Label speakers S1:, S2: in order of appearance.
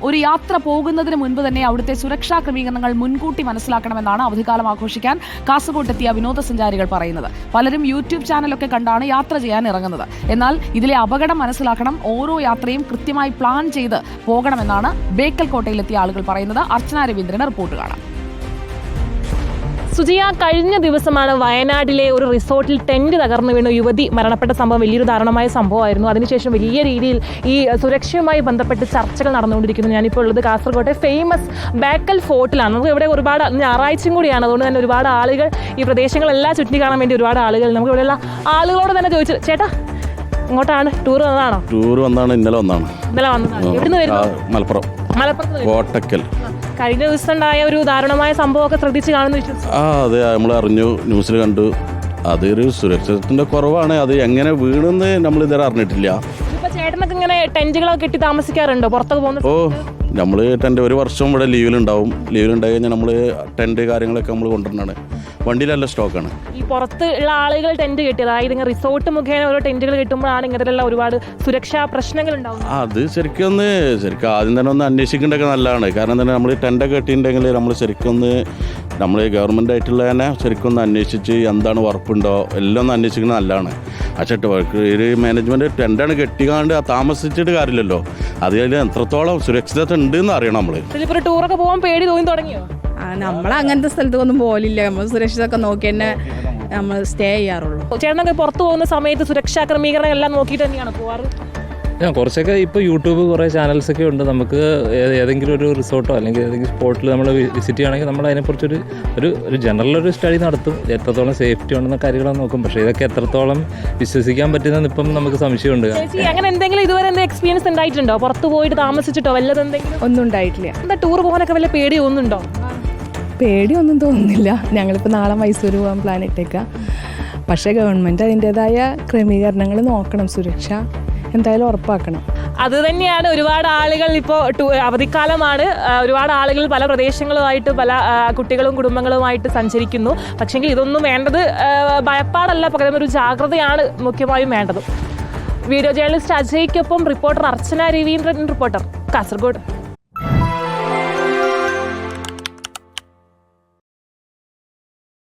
S1: ഒരു യാത്ര പോകുന്നതിന് മുൻപ് തന്നെ അവിടുത്തെ സുരക്ഷാ ക്രമീകരണങ്ങൾ മുൻകൂട്ടി മനസ്സിലാക്കണമെന്നാണ് അവധിക്കാലം ആഘോഷിക്കാൻ കാസർഗോട്ടെത്തിയ വിനോദസഞ്ചാരികൾ പറയുന്നത്. പലരും യൂട്യൂബ് ചാനലൊക്കെ കണ്ടാണ് യാത്ര ചെയ്യാൻ ഇറങ്ങുന്നത്. എന്നാൽ ഇതിലെ അപകടം മനസ്സിലാക്കണം, ഓരോ യാത്രയും കൃത്യമായി പ്ലാൻ ചെയ്ത് പോകണമെന്നാണ് ബേക്കൽ കോട്ടയിലെത്തിയ ആളുകൾ പറയുന്നത്. അർച്ചന രവീന്ദ്രന് റിപ്പോർട്ട് കാണാം.
S2: സുജിയ, കഴിഞ്ഞ ദിവസമാണ് വയനാട്ടിലെ ഒരു റിസോർട്ടിൽ ടെന്റ് തകർന്നു വീണ യുവതി മരണപ്പെട്ട സംഭവം വലിയൊരു ദാരുണമായ സംഭവമായിരുന്നു. അതിനുശേഷം വലിയ രീതിയിൽ ഈ സുരക്ഷയുമായി ബന്ധപ്പെട്ട് ചർച്ചകൾ നടന്നുകൊണ്ടിരിക്കുന്നു. ഞാനിപ്പോൾ ഉള്ളത് കാസർഗോട്ടെ ഫേമസ് ബേക്കൽ ഫോർട്ടിലാണ്. നമുക്ക് ഇവിടെ ഒരുപാട് ഞായറാഴ്ചയും കൂടിയാണ്, അതുകൊണ്ട് തന്നെ ഒരുപാട് ആളുകൾ ഈ പ്രദേശങ്ങളെല്ലാം ചുറ്റി കാണാൻ വേണ്ടി ഒരുപാട് ആളുകൾ. നമുക്ക് ഇവിടെയുള്ള ആളുകളോട് തന്നെ ചോദിച്ചു, ചേട്ടാ ഇങ്ങോട്ടാണ് ടൂർ വന്നതാണോ?
S3: ടൂർ വന്നതാണ്, ഇന്നലെ വന്നതാണ്.
S2: എവിടുന്ന് വരുന്നു?
S3: മലപ്പുറം കോട്ടക്കൽ.
S2: കഴിഞ്ഞ ദിവസം ഉണ്ടായ ഒരു ദാരുണമായ സംഭവമൊക്കെ ശ്രദ്ധിച്ച് കാണുന്നു വിശ്വസിച്ചു.
S3: അതെ, നമ്മൾ അറിഞ്ഞു, ന്യൂസിൽ കണ്ടു. അതൊരു സുരക്ഷിതത്തിന്റെ കുറവാണ്. അത് എങ്ങനെ വീണെന്ന് നമ്മൾ ഇതുവരെ അറിഞ്ഞിട്ടില്ല.
S2: ചേട്ടനൊക്കെ ഇങ്ങനെ ടെന്റുകളൊക്കെ കെട്ടി താമസിക്കാറുണ്ടോ പുറത്തൊക്കെ പോകുന്നത്?
S3: നമ്മൾ ടെന്റ് ഒരു വർഷം ഇവിടെ ലീവിലുണ്ടാവും. ലീവിലുണ്ടായി കഴിഞ്ഞാൽ നമ്മൾ ടെന്റ് കാര്യങ്ങളൊക്കെ നമ്മൾ കൊണ്ടുവരണതാണ്. വണ്ടിയിലല്ല സ്റ്റോക്കാണ്.
S2: ഈ പുറത്തുള്ള ആളുകൾ ടെന്റ് കെട്ടി, അതായത് ഇങ്ങനെ റിസോർട്ട് മുഖേന ഓരോ ടെന്റുകൾ കിട്ടുമ്പോഴാണ് ഇങ്ങനെയുള്ള ഒരുപാട് സുരക്ഷാ പ്രശ്നങ്ങൾ ഉണ്ടാവും.
S3: അത് ശരിക്കും ആദ്യം തന്നെ ഒന്ന് അന്വേഷിക്കേണ്ടതൊക്കെ നല്ലതാണ്. കാരണം തന്നെ നമ്മൾ ടെന്റൊക്കെ കെട്ടിയിട്ടുണ്ടെങ്കിൽ നമ്മൾ ശരിക്കും നമ്മൾ ഗവൺമെൻറ് ആയിട്ടുള്ള തന്നെ ശരിക്കും ഒന്ന് അന്വേഷിച്ച് എന്താണ് ഉറപ്പുണ്ടോ എല്ലാം ഒന്ന് അന്വേഷിക്കുന്നത് നല്ലതാണ്. പക്ഷേ ഒരു മാനേജ്മെൻറ്റ് ടെന്റാണ് കെട്ടിക്കാണ്ട് താമസിച്ചിട്ട് കാര്യമില്ലല്ലോ. അതിൽ എത്രത്തോളം സുരക്ഷിതത്വം ഉണ്ട് എന്ന് അറിയണം. നമ്മൾ
S2: ഇപ്പോൾ ടൂറൊക്കെ പോകാൻ പേടി തോന്നി തുടങ്ങിയോ?
S4: നമ്മൾ അങ്ങനത്തെ സ്ഥലത്തൊന്നും പോലില്ല. നമ്മൾ സുരക്ഷിതമൊക്കെ നോക്കി തന്നെ നമ്മൾ സ്റ്റേ ചെയ്യാറുള്ളൂ.
S2: ചേട്ടനൊക്കെ പുറത്ത് പോകുന്ന സമയത്ത് സുരക്ഷാ ക്രമീകരണം എല്ലാം നോക്കിയിട്ട് തന്നെയാണ് പോവാറ്?
S5: കുറച്ചൊക്കെ ഇപ്പോൾ യൂട്യൂബ് കുറേ ചാനൽസൊക്കെ ഉണ്ട്. നമുക്ക് ഏതെങ്കിലും ഒരു റിസോർട്ടോ അല്ലെങ്കിൽ ഏതെങ്കിലും സ്പോട്ടിൽ നമ്മൾ വിസിറ്റ് ചെയ്യുകയാണെങ്കിൽ നമ്മൾ അതിനെക്കുറിച്ചൊരു ഒരു ജനറൽ ഒരു സ്റ്റഡി നടത്തും. എത്രത്തോളം സേഫ്റ്റി ഉണ്ടെന്ന കാര്യങ്ങളൊക്കെ നോക്കും. പക്ഷേ ഇതൊക്കെ എത്രത്തോളം വിശ്വസിക്കാൻ പറ്റുന്നതെന്ന് ഇപ്പം നമുക്ക് സംശയമുണ്ട്.
S2: അങ്ങനെ എന്തെങ്കിലും ഇതുവരെ എന്തെങ്കിലും എക്സ്പീരിയൻസ് ഉണ്ടായിട്ടുണ്ടോ? പുറത്ത് പോയിട്ട് താമസിച്ചിട്ടോ വല്ലതും എന്തെങ്കിലും?
S4: ഒന്നും ഉണ്ടായിട്ടില്ല.
S2: എന്താ ടൂർ പോകാനൊക്കെ വല്ല പേടി തോന്നുന്നുണ്ടോ?
S4: പേടിയൊന്നും തോന്നുന്നില്ല. ഞങ്ങളിപ്പോൾ നാളെ മൈസൂർ പോകാൻ പ്ലാൻ ഇട്ടേക്കാം. പക്ഷേ ഗവൺമെൻറ് അതിൻ്റേതായ ക്രമീകരണങ്ങൾ നോക്കണം, സുരക്ഷ എന്തായാലും ഉറപ്പാക്കണം.
S2: അത് തന്നെയാണ് ഒരുപാട് ആളുകൾ ഇപ്പോൾ അവധിക്കാലമാണ്, ഒരുപാട് ആളുകൾ പല പ്രദേശങ്ങളുമായിട്ട് പല കുട്ടികളും കുടുംബങ്ങളുമായിട്ട് സഞ്ചരിക്കുന്നു. പക്ഷേങ്കിൽ ഇതൊന്നും വേണ്ടത് ഭയപ്പാടല്ല, പകരം ഒരു ജാഗ്രതയാണ് മുഖ്യമായും വേണ്ടത്. വീഡിയോ ജേർണലിസ്റ്റ് അജയ്ക്കൊപ്പം റിപ്പോർട്ടർ അർച്ചന രവീന്ദ്രൻ, റിപ്പോർട്ടർ കാസർഗോഡ്.